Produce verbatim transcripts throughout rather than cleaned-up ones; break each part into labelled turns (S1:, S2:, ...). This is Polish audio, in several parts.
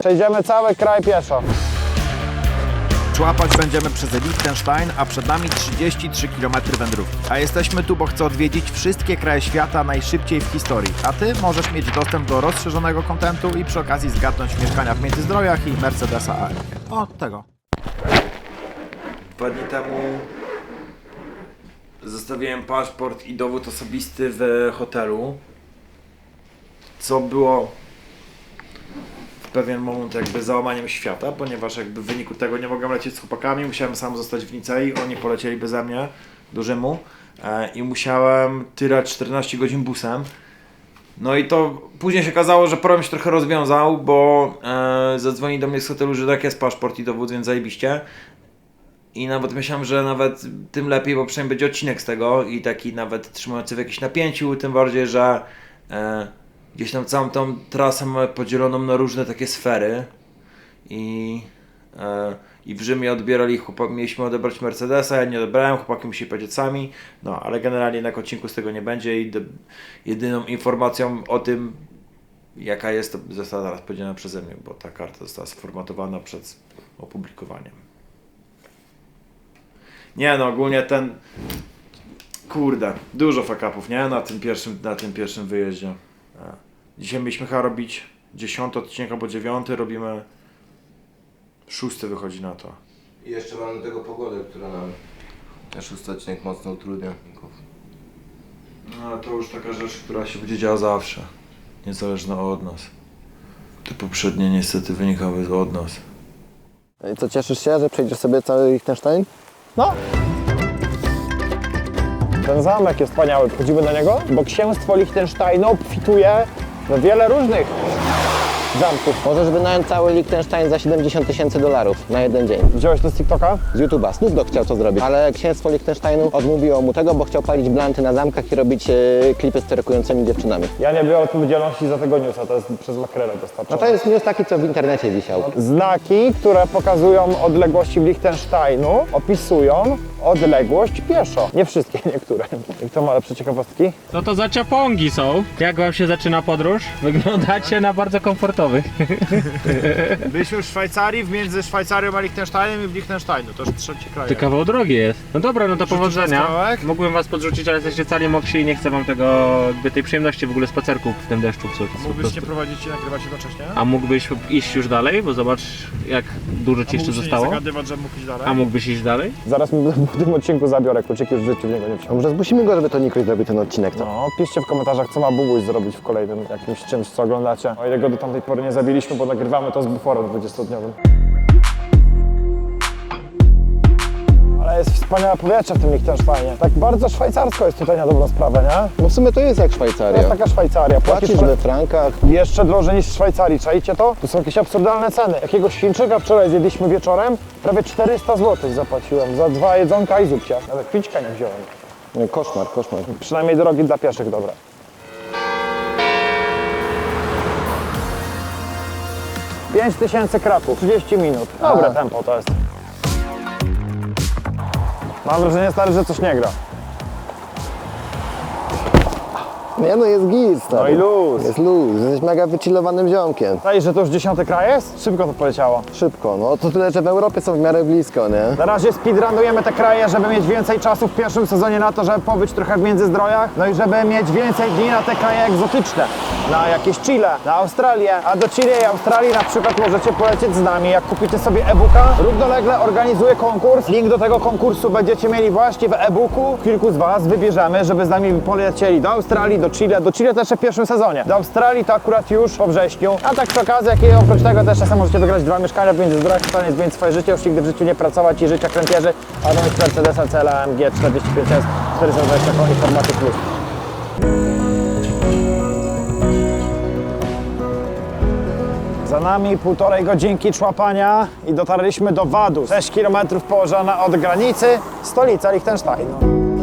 S1: Przejdziemy cały kraj pieszo.
S2: Szłapać będziemy przez Liechtenstein, a przed nami trzydzieści trzy kilometry wędrówki. A jesteśmy tu, bo chcę odwiedzić wszystkie kraje świata najszybciej w historii. A Ty możesz mieć dostęp do rozszerzonego kontentu i przy okazji zgadnąć mieszkania w Międzyzdrojach i Mercedesa A M G. O, tego. Dwa dni temu zostawiłem paszport i dowód osobisty w hotelu, co było w pewien moment jakby załamaniem świata, ponieważ jakby w wyniku tego nie mogłem lecieć z chłopakami, musiałem sam zostać w Nicei, oni polecieli beze mnie do Rzymu e, i musiałem tyrać czternaście godzin busem. No i to później się okazało, że problem się trochę rozwiązał, bo e, zadzwoni do mnie z hotelu, że tak jest paszport i dowód, więc zajebiście. I nawet myślałem, że nawet tym lepiej, bo przynajmniej będzie odcinek z tego i taki nawet trzymający w jakimś napięciu, tym bardziej, że e, gdzieś tam całą tą trasę mamy podzieloną na różne takie sfery i, e, i w Rzymie odbierali chłopaki, mieliśmy odebrać Mercedesa, ja nie odebrałem, chłopaki musieli powiedzieć sami, no ale generalnie na odcinku z tego nie będzie i do, jedyną informacją o tym, jaka jest, to została zaraz podzielona przeze mnie, bo ta karta została sformatowana przed opublikowaniem. Nie no, ogólnie ten, kurde, dużo fuck-upów, nie? Na tym pierwszym, na tym pierwszym wyjeździe. Dzisiaj mieliśmy chyba robić dziesiąty odcinek albo dziewiąty, robimy szósty, wychodzi na to.
S3: I jeszcze mamy do tego pogodę, która nam ten szósty odcinek mocno utrudnia.
S2: No ale to już taka rzecz, która się będzie działa zawsze, niezależna od nas. Te poprzednie niestety wynikały od nas.
S4: I co, cieszysz się, że przejdziesz sobie cały Liechtenstein?
S1: No. Ten zamek jest wspaniały, wchodzimy do niego, bo księstwo Liechtensteinu obfituje w wiele różnych zamków.
S4: Możesz wynająć cały Liechtenstein za siedemdziesiąt tysięcy dolarów na jeden dzień.
S1: Widziałeś to z TikToka?
S4: Z YouTube'a. Snoop Dogg chciał to zrobić, ale księstwo Liechtensteinu odmówiło mu tego, bo chciał palić blanty na zamkach i robić e, klipy z styrokującymi dziewczynami.
S1: Ja nie biorę odpowiedzialności za tego newsa, to jest przez makrelę
S4: No
S1: dostarczone.
S4: to jest news taki, co w internecie wisiał.
S1: Znaki, które pokazują odległości w Liechtensteinu, opisują odległość pieszo. Nie wszystkie, niektóre. I kto ma lepsze ciekawostki?
S5: No to zaciapongi są. Jak wam się zaczyna podróż? Wyglądacie na bardzo komfortowych.
S2: Byliśmy w Szwajcarii, między Szwajcarią a Liechtensteinem i w Liechtensteinu, to już trzeci kraj.
S5: To kawał drogi jest. No dobra, no to
S2: Rzucić
S5: powodzenia.
S2: kawałek?
S5: Mógłbym was podrzucić, ale jesteście cali mokrzy i nie chcę wam tego, jakby tej przyjemności w ogóle spacerków w tym deszczu psuć. Po
S2: Mógłbyś
S5: prostu.
S2: nie prowadzić i nagrywać jednocześnie?
S5: A mógłbyś iść już dalej, bo zobacz jak dużo ci jeszcze zostało.
S2: zagadywać, że mógł iść dalej?
S5: A mógłbyś iść dalej?
S1: Zaraz mi w tym odcinku zabiorę kluczyki, już w życiu w niego nie wsiądę.
S4: Może zmusimy go, żeby to Nikroś zrobił ten odcinek, co?
S1: No, piszcie w komentarzach, co ma Bubuś zrobić w kolejnym jakimś czymś, co oglądacie. O ile go do tamtej pory nie zabiliśmy, bo nagrywamy to z buforem dwudziestodniowym. Ale jest wspaniałe powietrze w tym Liechtensteinie. Tak bardzo szwajcarsko jest tutaj na dobrą sprawę, nie?
S4: No w sumie to jest jak
S1: To
S4: Szwajcaria.
S1: jest taka Szwajcaria.
S4: Płacisz we frankach.
S1: Jeszcze drożej niż w Szwajcarii, czajcie to? Tu są jakieś absurdalne ceny. Jakiegoś Chińczyka wczoraj zjedliśmy wieczorem, prawie czterysta złotych zapłaciłem za dwa jedzonka i zupcie. Nawet pićka nie wziąłem.
S4: No, koszmar, koszmar.
S1: Przynajmniej drogi dla pieszych, dobra. pięć tysięcy kroków, trzydzieści minut. Dobre
S4: A.
S1: tempo to jest. Mam wrażenie, stary, że coś nie gra.
S4: Nie no, jest git, stary.
S1: No i luz.
S4: Jest luz, jesteś mega wychillowanym ziomkiem.
S1: Zdaje, że to już dziesiąty kraj jest? Szybko to poleciało.
S4: Szybko, no to tyle, że w Europie są w miarę blisko, nie?
S1: Na razie speedrunujemy te kraje, żeby mieć więcej czasu w pierwszym sezonie na to, żeby pobyć trochę w Międzyzdrojach, no i żeby mieć więcej dni na te kraje egzotyczne. Na jakieś Chile, na Australię, a do Chile i Australii na przykład możecie polecieć z nami. Jak kupicie sobie e-booka, równolegle organizuję konkurs. Link do tego konkursu będziecie mieli właśnie w e-booku. Kilku z Was wybierzemy, żeby z nami polecieli do Australii, do Chile, do Chile też w pierwszym sezonie. Do Australii to akurat już po wrześniu, a tak przy okazji, jak i oprócz tego też czasem możecie wygrać dwa mieszkania w Międzyzdrojach, stanie zmienić swoje życie, już nigdy w życiu nie pracować i życia kręcierzy, a do mieć Mercedesa C L A M G czterdzieści pięć S czterysta dwadzieścia koni formaty plus. Za nami półtorej godzinki człapania i dotarliśmy do Vaduz, sześć kilometrów położona od granicy, stolica Liechtensteinu.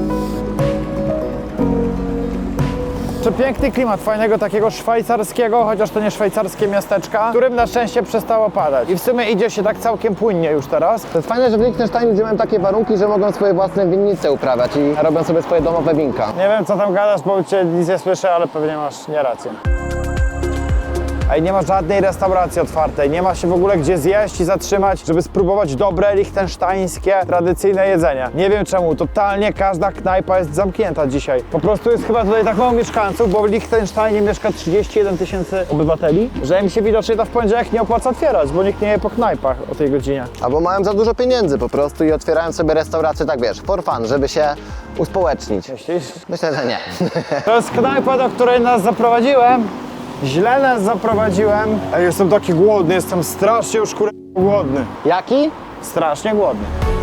S1: Przepiękny klimat, fajnego takiego szwajcarskiego, chociaż to nie szwajcarskie miasteczka, w którym na szczęście przestało padać. I w sumie idzie się tak całkiem płynnie już teraz.
S4: To jest fajne, że w Liechtensteinie ludzie mają takie warunki, że mogą swoje własne winnice uprawiać i robią sobie swoje domowe winka.
S1: Nie wiem, co tam gadasz, bo cię nic nie słyszę, ale pewnie masz nie rację. Ej, nie ma żadnej restauracji otwartej, nie ma się w ogóle gdzie zjeść i zatrzymać, żeby spróbować dobre, lichtensztańskie, tradycyjne jedzenie. Nie wiem czemu, totalnie każda knajpa jest zamknięta dzisiaj. Po prostu jest chyba tutaj tak mało mieszkańców, bo w Lichtensteinie mieszka trzydzieści jeden tysięcy obywateli, że im się widocznie to w poniedziałek nie opłaca otwierać, bo nikt nie je po knajpach o tej godzinie.
S4: Albo mają za dużo pieniędzy po prostu i otwierają sobie restaurację, tak wiesz, for fun, żeby się uspołecznić.
S1: Myślisz?
S4: Myślę, że nie.
S1: To jest knajpa, do której nas zaprowadziłem. Źle nas zaprowadziłem. Ej, jestem taki głodny, jestem strasznie już kur... głodny.
S4: Jaki?
S1: Strasznie głodny.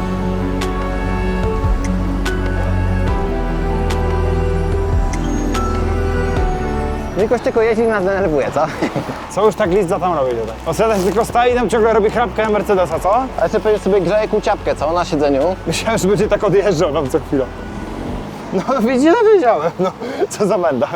S4: Nikoś tylko jeździ i nas denerwuje, co?
S1: Co już tak list tam robi tutaj? Ostatnio tylko stoi i tam ciągle robi chrapkę Mercedesa, co?
S4: A jeszcze pewnie sobie grzeje kuciapkę, co? Na siedzeniu.
S1: Myślałem, że będzie tak odjeżdżał nam co chwilę. No widzicie, no wiedziałem, no co za menda.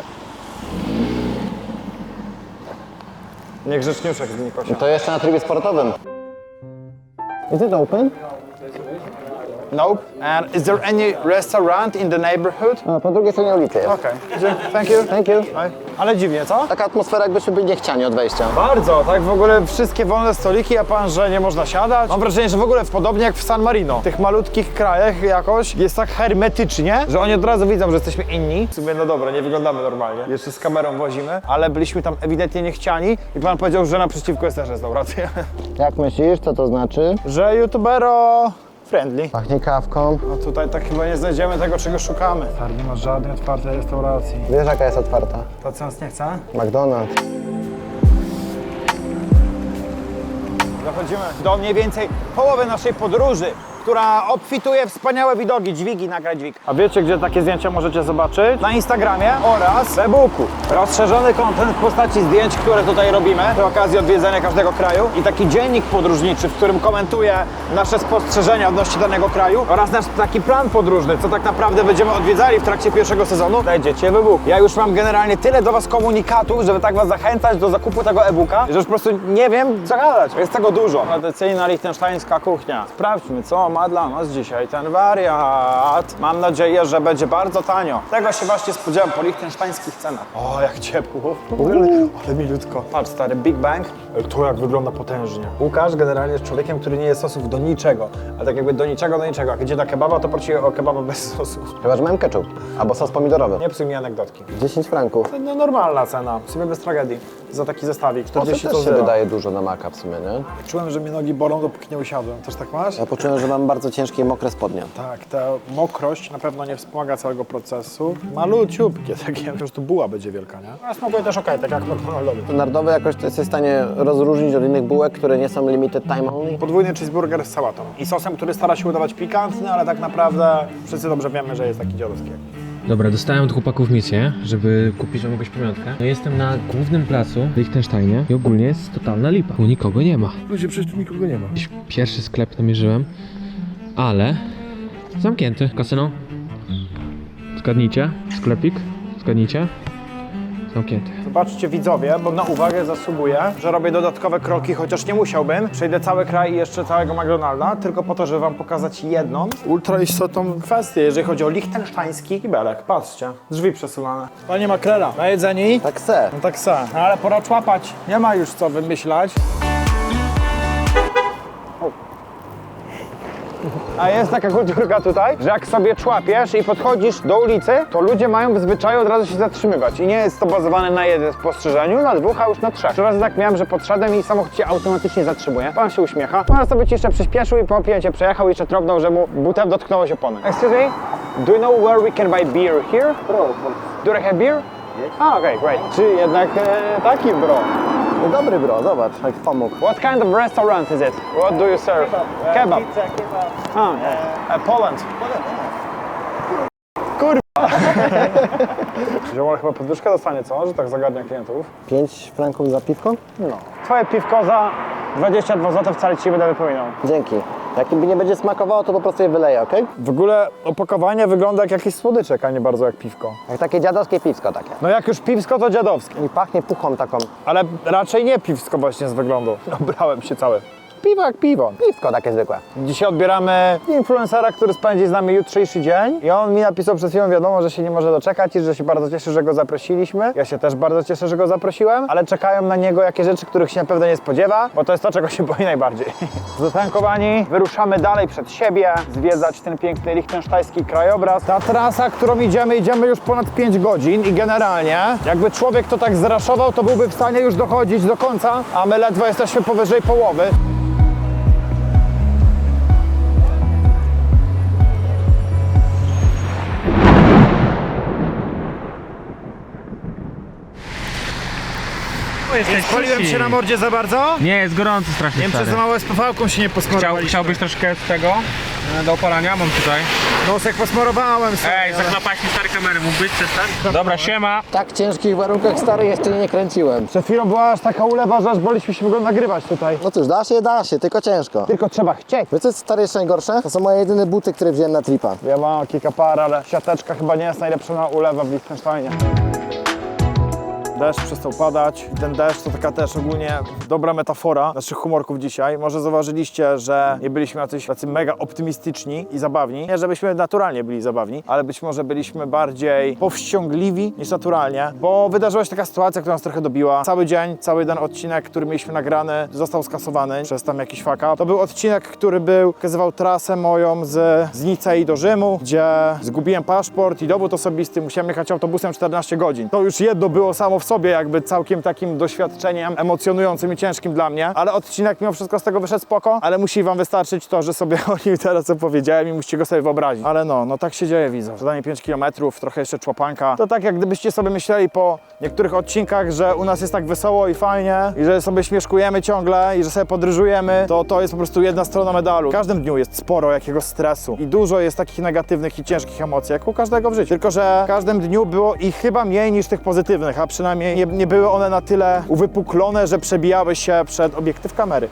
S1: Niegrzeczniuszek z Nikosia.
S4: To jeszcze na trybie sportowym. Is it open?
S1: Nope. And is there any restaurant in the neighborhood?
S4: A, po drugiej stronie ulicy jest.
S1: Okej, okay. Thank you.
S4: Thank you.
S1: Oj, ale dziwnie, co?
S4: Taka atmosfera, jakbyśmy byli niechciani od wejścia.
S1: Bardzo, tak w ogóle wszystkie wolne stoliki, a pan, że nie można siadać. Mam wrażenie, że w ogóle podobnie jak w San Marino. W tych malutkich krajach jakoś jest tak hermetycznie, że oni od razu widzą, że jesteśmy inni. W sumie no dobra, nie wyglądamy normalnie. Jeszcze z kamerą wozimy, ale byliśmy tam ewidentnie niechciani i pan powiedział, że naprzeciwko jest też restauracja.
S4: Jak myślisz, co to znaczy?
S1: Że youtubero friendly.
S4: Pachnie kawką.
S1: No tutaj tak chyba nie znajdziemy tego, czego szukamy. Tak, nie ma żadnej otwartej restauracji.
S4: Wiesz, jaka jest otwarta?
S1: To co nas nie chce?
S4: McDonald's.
S1: Dochodzimy do mniej więcej połowy naszej podróży, która obfituje wspaniałe widoki, dźwigi, nagraj dźwig. A wiecie, gdzie takie zdjęcia możecie zobaczyć? Na Instagramie oraz w e-booku. Rozszerzony content w postaci zdjęć, które tutaj robimy przy okazji odwiedzenia każdego kraju i taki dziennik podróżniczy, w którym komentuję nasze spostrzeżenia odnośnie danego kraju oraz nasz taki plan podróżny, co tak naprawdę będziemy odwiedzali w trakcie pierwszego sezonu, znajdziecie w e-booku. Ja już mam generalnie tyle do was komunikatów, żeby tak was zachęcać do zakupu tego e-booka, że już po prostu nie wiem, co gadać. Jest tego dużo. Tradycyjna lichtensztańska kuchnia. Sprawdźmy, co ma dla nas dzisiaj ten wariat. Mam nadzieję, że będzie bardzo tanio. Tego się właśnie spodziewam po lichtensztańskich cenach. O, jak ciepło. Ale milutko. Patrz, stary, Big Bang. To jak wygląda potężnie. Łukasz generalnie jest człowiekiem, który nie je sosów do niczego. Ale tak jakby do niczego, do niczego. Jak idzie na kebaba, to prosi o kebaba bez sosu.
S4: Chyba, że mam ketchup. Albo sos pomidorowy.
S1: Nie psuj mi anegdotki.
S4: dziesięć franków.
S1: No normalna cena, w sumie bez tragedii. Za taki zestawik,
S4: To
S1: czterdzieści
S4: też się
S1: zera.
S4: wydaje dużo na maka w sumie, nie?
S1: Czułem, że mnie nogi bolą, dopóki nie usiadłem. Też tak masz?
S4: Ja poczułem, że mam bardzo ciężkie i mokre spodnie.
S1: Tak, ta mokrość na pewno nie wspomaga całego procesu. Maluciupkie takie, po prostu buła będzie wielka, nie? A smakuje też okej, tak jak McDonaldowy.
S4: Standardowe jakoś to jesteś w stanie rozróżnić od innych bułek, które nie są limited time only.
S1: Podwójny cheeseburger z sałatą i sosem, który stara się udawać pikantny, ale tak naprawdę wszyscy dobrze wiemy, że jest taki dziadowski.
S5: Dobra, dostałem od chłopaków misję, żeby kupić wam jakąś pamiątkę. No jestem na głównym placu w Liechtensteinie i ogólnie jest totalna lipa. Tu nikogo nie ma.
S2: Ludzie, przecież tu nikogo nie ma.
S5: Jakiś pierwszy sklep namierzyłem, ale zamknięty. Kasyno? Zgadnijcie. Sklepik? Zgadnijcie. Zamknięty.
S1: Zobaczcie widzowie, bo na uwagę zasługuję, że robię dodatkowe kroki, chociaż nie musiałbym. Przejdę cały kraj i jeszcze całego McDonalda, tylko po to, żeby wam pokazać jedną ultra istotną kwestię, jeżeli chodzi o lichtensztański kibelek. Patrzcie, drzwi przesunane. Panie makrela, najedzeni?
S4: Tak se.
S1: No tak se, ale pora człapać. Nie ma już co wymyślać. A jest taka kulturka tutaj, że jak sobie człapiesz i podchodzisz do ulicy, to ludzie mają w zwyczaju od razu się zatrzymywać. I nie jest to bazowane na jednym spostrzeżeniu, na dwóch, a już na trzech. Trzy razy tak miałem, że podszedłem i samochód się automatycznie zatrzymuje. Pan się uśmiecha. Pan sobie ci jeszcze przyspieszył i po opięcie przejechał i jeszcze trąbnął, że mu butem dotknęło się opony. Excuse me? Do you know where we can buy beer here? Do they have beer? Yes. Ah, okay, great. Czy jednak e, taki bro?
S4: No dobry bro, zobacz, jak pomógł.
S1: What kind of restaurant is it? What do you serve? Kebab. Ah, uh, Poland. Kurwa. Ziomal chyba podwyżkę dostanie, co? Że tak zagadnia klientów.
S4: pięć franków za piwko?
S1: No. Twoje piwko za dwadzieścia dwa złote wcale ci będę wypominał.
S4: Dzięki. Jak mi nie będzie smakowało, to po prostu je wyleję, okej?
S1: W ogóle opakowanie wygląda jak jakiś słodyczek, a nie bardzo jak piwko.
S4: Jak takie dziadowskie piwsko takie.
S1: No jak już piwsko, to dziadowskie.
S4: I pachnie puchą taką.
S1: Ale raczej nie piwsko właśnie z wyglądu. Obrałem się cały. Piwo jak piwo. Piwko takie zwykłe. Dzisiaj odbieramy influencera, który spędzi z nami jutrzejszy dzień i on mi napisał przed chwilą wiadomo, że się nie może doczekać i że się bardzo cieszy, że go zaprosiliśmy. Ja się też bardzo cieszę, że go zaprosiłem, ale czekają na niego jakieś rzeczy, których się na pewno nie spodziewa, bo to jest to, czego się boi najbardziej. Zatankowani, wyruszamy dalej przed siebie, zwiedzać ten piękny lichtensztajski krajobraz. Ta trasa, którą idziemy, idziemy już ponad pięć godzin i generalnie, jakby człowiek to tak zraszował, to byłby w stanie już dochodzić do końca, a my ledwo jesteśmy powyżej połowy. Spaliłem się na mordzie za bardzo?
S5: Nie, jest gorąco strasznie.
S1: Nie wiem, czy za mało z P V-ką się nie
S5: Chciał,
S1: posmarowaliśmy.
S5: chciałbyś troszkę tego e, do opalania? Mam tutaj.
S1: Nosek posmarowałem sobie.
S5: Ej, zaklapałeś mi stare kamery, mógłbyś przestać? Dobra, siema.
S4: W tak ciężkich warunkach stary jeszcze nie kręciłem.
S1: Przed chwilą była aż taka ulewa, że aż boliśmy się go nagrywać tutaj.
S4: No cóż, da się, da się, tylko ciężko.
S1: Tylko trzeba chcieć.
S4: Wiesz co jest stary jeszcze najgorsze? To są moje jedyne buty, które wziąłem na tripa.
S1: Ja mam kilka par, ale siateczka chyba nie jest najlepsza na ulewę w Liechtensteinie. Deszcz przestał padać i ten deszcz to taka też ogólnie dobra metafora naszych humorków dzisiaj. Może zauważyliście, że nie byliśmy jacyś tacy mega optymistyczni i zabawni. Nie, żebyśmy naturalnie byli zabawni, ale być może byliśmy bardziej powściągliwi niż naturalnie, bo wydarzyła się taka sytuacja, która nas trochę dobiła. Cały dzień, cały ten odcinek, który mieliśmy nagrany, został skasowany przez tam jakiś fuck up. To był odcinek, który był, pokazywał trasę moją z, z Nicei do Rzymu, gdzie zgubiłem paszport i dowód osobisty, musiałem jechać autobusem czternaście godzin. To już jedno było samo w sobie jakby całkiem takim doświadczeniem emocjonującym i ciężkim dla mnie, ale odcinek mimo wszystko z tego wyszedł spoko, ale musi wam wystarczyć to, że sobie o nim teraz opowiedziałem i musicie go sobie wyobrazić. Ale no, no tak się dzieje, widzę. Zadanie pięć kilometrów, trochę jeszcze człapanka. To tak jak gdybyście sobie myśleli po niektórych odcinkach, że u nas jest tak wesoło i fajnie i że sobie śmieszkujemy ciągle i że sobie podryżujemy, to to jest po prostu jedna strona medalu. W każdym dniu jest sporo jakiegoś stresu i dużo jest takich negatywnych i ciężkich emocji, jak u każdego w życiu. Tylko że w każdym dniu było ich chyba mniej niż tych pozytywnych, a przynajmniej nie, nie były one na tyle uwypuklone, że przebijały się przed obiektyw kamery.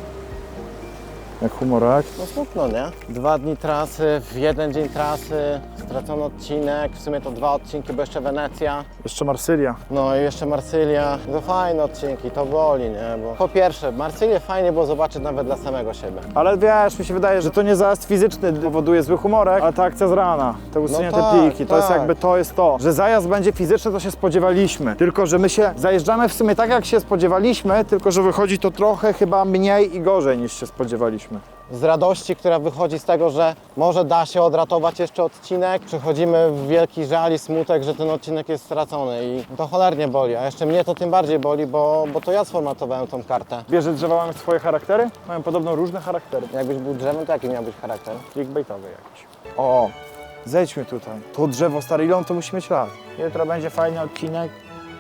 S1: Jak humorek.
S4: No smutno, nie? Dwa dni trasy, w jeden dzień trasy, stracony odcinek, w sumie to dwa odcinki, bo jeszcze Wenecja.
S1: Jeszcze Marsylia.
S4: No i jeszcze Marsylia. To fajne odcinki, to boli, nie? Bo po pierwsze, Marsylię fajnie było zobaczyć nawet dla samego siebie.
S1: Ale wiesz, mi się wydaje, że to nie zajazd fizyczny powoduje zły humorek, ale ta akcja z rana, te usunięte
S4: No tak,
S1: pliki, to jest
S4: tak.
S1: jakby to jest to. Że zajazd będzie fizyczny, to się spodziewaliśmy. Tylko, że my się zajeżdżamy w sumie tak, jak się spodziewaliśmy, tylko, że wychodzi to trochę chyba mniej i gorzej niż się spodziewaliśmy.
S4: Z radości, która wychodzi z tego, że może da się odratować jeszcze odcinek, przechodzimy w wielki żal i smutek, że ten odcinek jest stracony i to cholernie boli, a jeszcze mnie to tym bardziej boli, bo, bo to ja sformatowałem tą kartę.
S1: Wiesz, że drzewa mają swoje charaktery? Mają podobno różne charaktery.
S4: Jakbyś był drzewem, to jaki miał być charakter?
S1: Clickbaitowy jakiś. O, zejdźmy tutaj. To drzewo, stary, ile on to musi mieć lat? Jutro będzie fajny odcinek.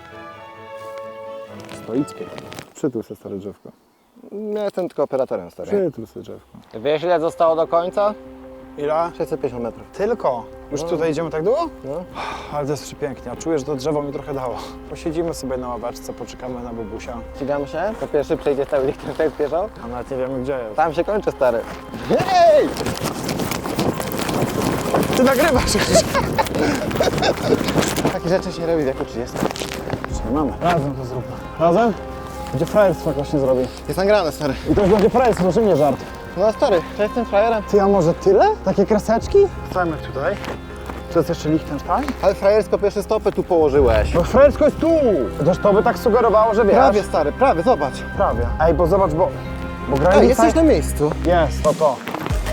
S1: Stoickie. Przytul se stare drzewko.
S4: Ja jestem tylko operatorem, stary.
S1: Przytul se drzewko.
S4: Wiesz, ile zostało do końca?
S1: Ile?
S4: sześćset pięćdziesiąt metrów.
S1: Tylko? Już tutaj idziemy tak długo?
S4: No.
S1: Ale to jest przepięknie. A czuję, że to drzewo mi trochę dało. Posiedzimy sobie na ławeczce, poczekamy na bubusia.
S4: Ścigamy się? To pierwszy przejdzie cały Liechtenstein pieszo?
S1: A nawet nie wiemy, gdzie jest.
S4: Tam się kończy, stary. Hej!
S1: Ty nagrywasz już.
S4: Takie rzeczy się robi w wieku trzydziestym.
S1: Nie mamy. Razem to zróbmy. Razem? Gdzie frajerstwo jakoś nie zrobi.
S4: Jest nagrane, stary.
S1: I to już będzie frajerstwo, że nie żart.
S4: No stary, czy jestem frajerem?
S1: Ty, a może tyle? Takie kreseczki? Stajemy tutaj. To jest jeszcze Liechtenstein?
S4: Ale frajersko pierwsze stopy tu położyłeś.
S1: Bo frajersko jest tu! Chociaż to by tak sugerowało, że wiesz.
S4: Prawie, stary, prawie, zobacz.
S1: Prawie. Ej, bo zobacz, bo... Bo granica...
S4: Ej, jesteś na miejscu.
S1: Jest, to to.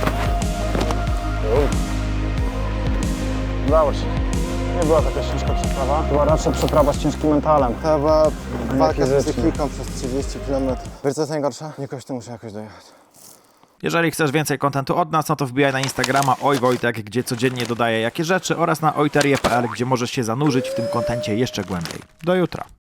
S1: Udało się. Nie była taka ciężka przeprawa. Była raczej przeprawa z ciężkim mentalem.
S4: To była walka z
S1: fizycznie.
S4: psychiką przez trzydzieści kilometrów. Wiesz co jest najgorsze? Jakoś tu muszę jakoś dojechać.
S2: Jeżeli chcesz więcej kontentu od nas, no to wbijaj na Instagrama Oj Wojtek, gdzie codziennie dodaję jakie rzeczy oraz na ojterie kropka pe el, gdzie możesz się zanurzyć w tym kontencie jeszcze głębiej. Do jutra.